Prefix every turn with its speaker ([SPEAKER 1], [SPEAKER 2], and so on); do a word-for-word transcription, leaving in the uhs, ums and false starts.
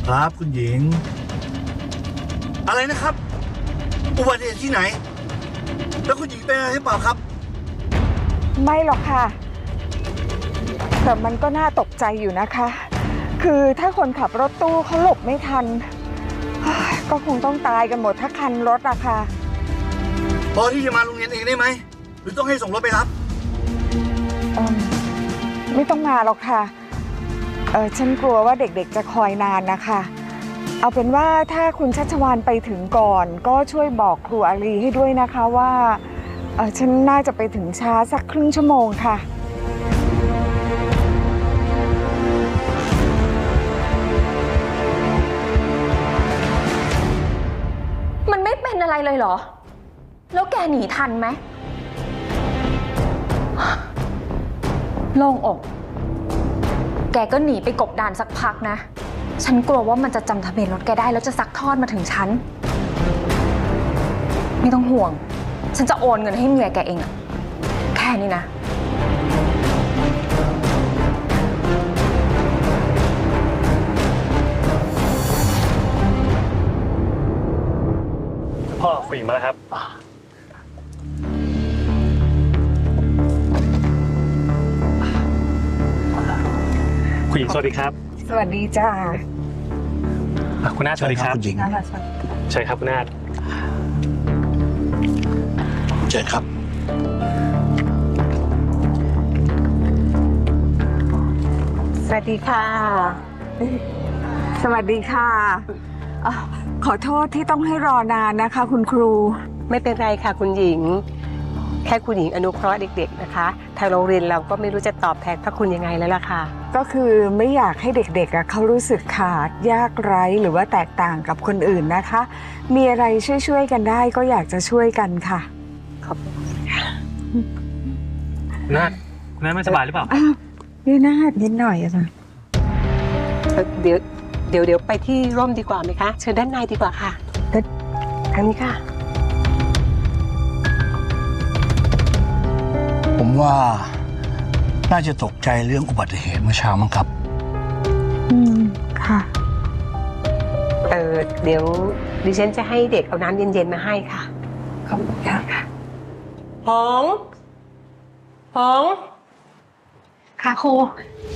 [SPEAKER 1] ครับคุณหญิงอะไรนะครับอุบัติเหตุที่ไหนแล้วคุณหญิงเป็นอะไรหรือเปล่าครับ
[SPEAKER 2] ไม่หรอกค่ะแต่มันก็น่าตกใจอยู่นะคะ คือถ้าคนขับรถตู้เขาหลบไม่ทันก็คงต้องตายกันหมดถ้าคันรถอะค่ะ
[SPEAKER 1] พอที่จะมาโรงเรียนเองได้ไหมหรือต้องให้ส่งรถไปรับ
[SPEAKER 2] เออไม่ต้องมาหรอกค่ะเออฉันกลัวว่าเด็กๆจะคอยนานนะคะเอาเป็นว่าถ้าคุณชัชวาลไปถึงก่อนก็ช่วยบอกครูอาลีให้ด้วยนะคะว่าเออฉันน่าจะไปถึงช้าสักครึ่งชั่วโมงค่ะ
[SPEAKER 3] มันไม่เป็นอะไรเลยเหรอแล้วแกหนีทันไหมโล่งอกแกก็หนีไปกบดานสักพักนะฉันกลัวว่ามันจะจำทะเบียนรถแกได้แล้วจะซักทอดมาถึงฉันไม่ต้องห่วงฉันจะโอนเงินให้เมียแกเองอะแค่นี้นะ
[SPEAKER 4] พ่อคุยมาแล้วครับคุณหญิงสวัสดีครับ
[SPEAKER 2] สวัสดีจ้า
[SPEAKER 4] คุณนาฏสวัสดีครับ
[SPEAKER 1] คุณหญิง
[SPEAKER 4] ใช่ครับคุณนาฏ
[SPEAKER 1] เชิญครับ
[SPEAKER 2] สวัสดีค่ะสวัสดีค่ะขอโทษที่ต้องให้รอนานนะคะคุณครู
[SPEAKER 5] ไม่เป็นไรค่ะคุณหญิงแค่คุณหญิงอนุเคราะห์เด็กๆนะคะทางโรงเรียนเราก็ไม่รู้จะตอบแทนพระคุณยังไงแล้วล่ะค่ะ
[SPEAKER 2] ก็คือไม่อยากให้เด็กๆเขารู้สึกขาดยากไร้หรือว่าแตกต่างกับคนอื่นนะคะมีอะไรช่วยๆกันได้ก็อยากจะช่วยกันค่ะ
[SPEAKER 5] ขอบคุณค่ะ
[SPEAKER 4] คุณนาฏคุณนาฏไม่สบายหรือเปล่า
[SPEAKER 2] นี่นาฏนิดหน่อยอะค่ะ
[SPEAKER 5] เดี๋ยวเดี๋ยวเดี๋ยวไปที่ร่มดีกว่าไหมคะเชิญด้านในดีกว่าค่ะทางนี้ค่ะ
[SPEAKER 1] ผมว่าน่าจะตกใจเรื่องอุบัติเหตุเมื่อเช้ามั้งครับ
[SPEAKER 2] อืมค่ะ
[SPEAKER 5] เออเดี๋ยวดิฉันจะให้เด็กเอาน้ำเย็นๆมาให้ค่ะ
[SPEAKER 2] ขอบคุณค่ะ
[SPEAKER 5] หงหง
[SPEAKER 2] ค่ะครู